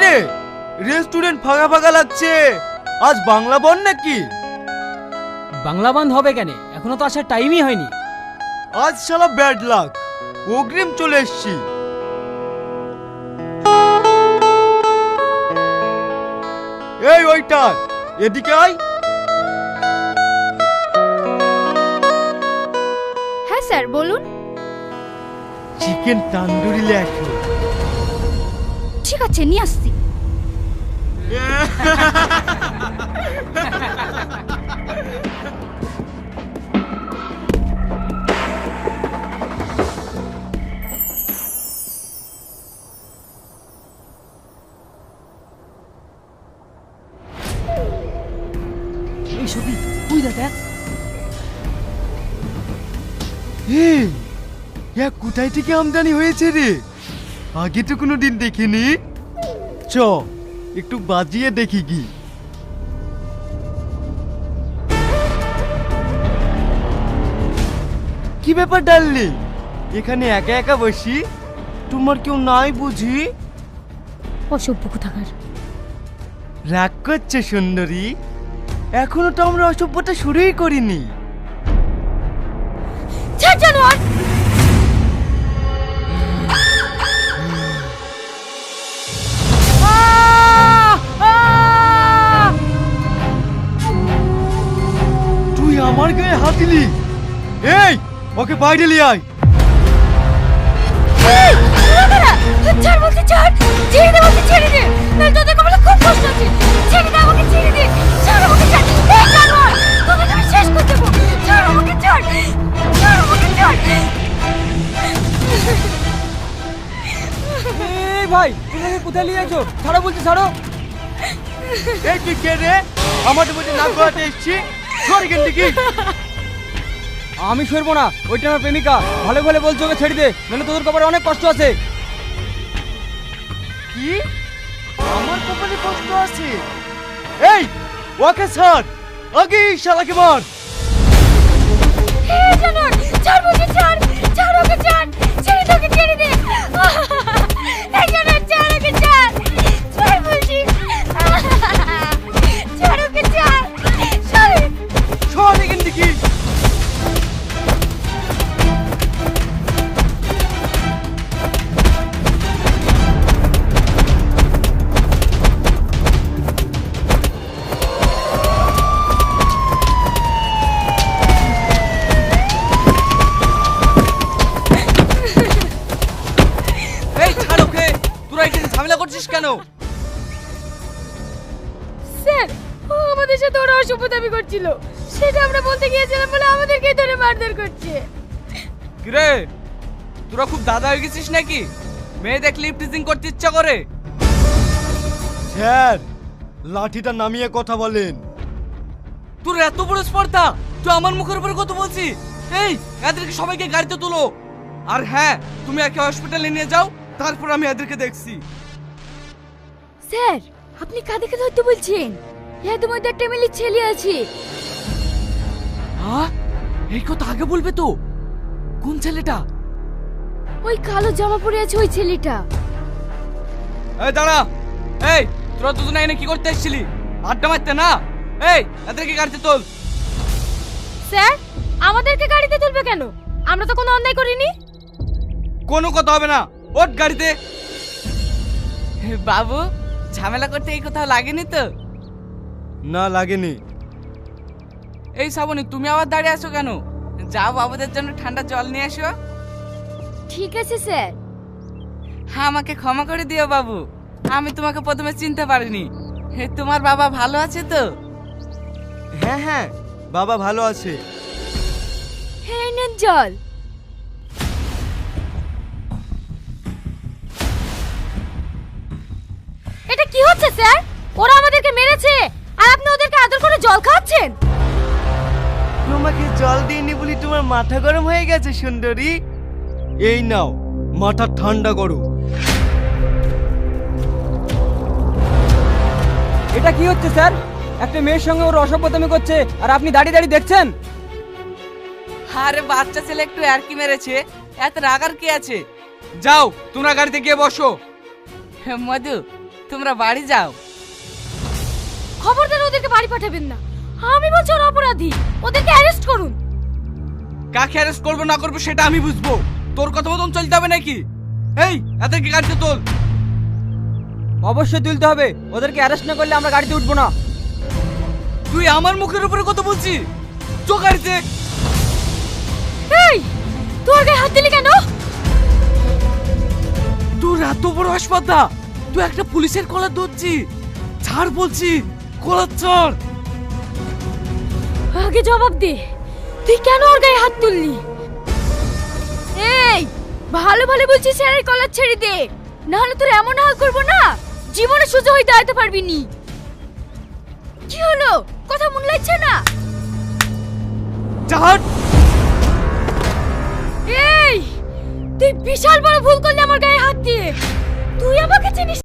রে, রেস্টুরেন্ট ফাঁকা ফাঁকা লাগছে। আজ বাংলা বন নাকি? বাংলা বন্ধ হবে কেন? এখনো তো আসার টাইমই হয়নি। আজ শালা ব্যাড লাক, অগ্রিম চলে এসছি। এই ওইটার, এদিকে আয়। হ্যাঁ স্যার বলুন। চিকেন তান্দুরি লেখো। ঠিক আছে নিয়ে আসছি। এই সবই তুই দেখ। এই কোথায় থেকে আমদানি হয়েছে রে? আগে তো কোনো দিন দেখিনি। চ একটু বাজিয়ে দেখি কি। কি ব্যাপার ডাললি, এখানে একা একা বসি? তোমার কেউ নাই বুঝি? অসভ্য কোথাকার। রাগ করছে সুন্দরী? এখনো তো আমরা অসভ্যতা শুরুই করিনি। ছাড় জানোয়ার। তুই আমার গায়ে হাত দিলি? এই ওকে বাইরে নিয়ে আয়। এই, তোরা কারা? ছাড় বলছি ছাড়। ছেড়ে দে বলছি ছেড়ে দে। নাহলে তোদের কপালে খুব কষ্ট আছে। ছেড়ে দে আমাকে, ছেড়ে দে। ছাড় আমাকে ছাড়। এই জানোয়ার, তোদের আমি শেষ করে দেবো। ছাড় আমাকে ছাড়। ছাড় আমাকে ছাড়। এই ভাই, তুমি কোথায় নিয়ে যাচ্ছো? ছাড়ো বলছি, ছাড়ো। এই তুই কে রে? আমার মধ্যে নাক গলাতে এসছি। সর এখান থেকে। আমি সরবো না, ওইটা আমার প্রেমিকা। ভালো ভালো বলছো ওকে ছেড়ে দে, নাহলে তোদের কপালে অনেক কষ্ট আছে। কি? আমার কপালে কষ্ট আছে? এই ওকে ছাড়, আগে এই শালাকে মার। এই জানোয়ার, ছাড় বলছি ছাড়। ছাড় ওকে ছাড়। ছেড়ে দে ওকে, ছেড়ে দে। এই জানোয়ার ছাড় ওকে ছাড়। ছাড় বলছি। ছাড় ওকে ছাড়। ছাড়। সর এখান থেকে। এই ছাড় ওকে, তোরা এখানে ঝামেলা করছিস কেন? স্যার, ও আমাদের সাথে ওরা অসভ্যতামি করছিল। সেটা আমরা বলতে গিয়েছিলাম বলে আমাদেরকেই ধরে মারধর করছে। কিরে, তোরা খুব দাদা হয়ে গেছিস নাকি? মেয়ে দেখলে টিচিং করতে ইচ্ছা করে? স্যার, লাঠিটা নামিয়ে কথা বলেন। তোর এত বড় স্পর্ধা, তুই আমার মুখের উপরে কথা বলছিস? এই, এদেরকে সবাইকে গাড়িতে তোলো। আর হ্যাঁ, তুমি একে হসপিটালে নিয়ে যাও, তারপর আমি এদেরকে দেখছি। স্যার, আপনি কাদেরকে ধরতে বলছেন? এদের মধ্যে একটা মিলি ছেলে আছে। হ্যাঁ, এই কথা আগে বলবে তো। কোন ছেলেটা? ওই কালো জামা পরে আছে ওই ছেলেটা। এই দাঁড়া। এই, তোরা দুজনে এনে কি করতে এসেছিলি? আড্ডা মারতে না? এই, এদেরকে গাড়িতে তোল। স্যার, আমাদেরকে গাড়িতে তুলবে কেন? আমরা তো কোনো অন্যায় করিনি। কোনো কথা হবে না, ওঠ গাড়িতে। বাবু, ঝামেলা করতে এই কোথাও লাগেনি তো? না লাগেনি। এই শ্রাবণী, তুমি আবার দাঁড়িয়ে আছো কেন? যাও বাবুদের জন্য ঠান্ডা জল নিয়ে আসো। ঠিক আছে স্যার। হ্যাঁ, আমাকে ক্ষমা করে দিও বাবু, আমি তোমাকে প্রথমে চিনতে পারিনি। তোমার বাবা ভালো আছে তো? হ্যাঁ হ্যাঁ, বাবা ভালো আছে। হ্যাঁ নেন জল। এটা কি হচ্ছে স্যার? ওরা আমাদেরকে মেরেছে আর আপনি ওদেরকে আদর করে জল খাওয়াচ্ছেন। তোমাকে জল দিইনি বলি তোমার মাথা গরম হয়ে গেছে সুন্দরী? এই নাও, মাথা ঠান্ডা করো। এটা কি হচ্ছে স্যার? একটা মেয়ের সঙ্গে ওর অসভ্যতামি করছে আর আপনি দাঁড়িয়ে দাঁড়িয়ে দেখছেন? আরে বাচ্চা ছেলে একটু আরকি মেরেছে, এত রাগার কি আছে? যাও তোমরা গাড়িতে গিয়ে বসো। মধু, তোমরা বাড়ি যাও। খবরদার ওদেরকে বাড়ি পাঠাবেন না। আমি বলছি ওরা অপরাধী, ওদেরকে অ্যারেস্ট করুন। কাকে অ্যারেস্ট করবো না করবো সেটা আমি বুঝবো, তোর কথা মতন চলতে হবে নাকি? এই এদেরকে গাড়িতে তোল। অবশ্যই তুলতে হবে, ওদেরকে অ্যারেস্ট না করলে আমরা গাড়িতে উঠবো না। তুই আমার মুখের উপরে কথা বলছিস? চো গাড়িতে। এই তোর গায়ে হাত দিলি কেন? তোর এত বড় হাসপাতা, তুই একটা পুলিশের কলার ধরছি? ছাড় বলছি, কলার ছাড়। আগে জবাব দে, তুই কেন ওর গায়ে হাত তুললি? এই ভালো ভালো বলছি, স্যারের কলার ছেড়ে দে, না হলে তোর এমন হাল করবো না জীবনে সোজা হয়ে দাঁড়াতে পারবি নি। কি হলো, কথা মন লাগছে না? ছাড়। এই তুই বিশাল বড় ভুল করলি আমার গায়ে হাত দিয়ে।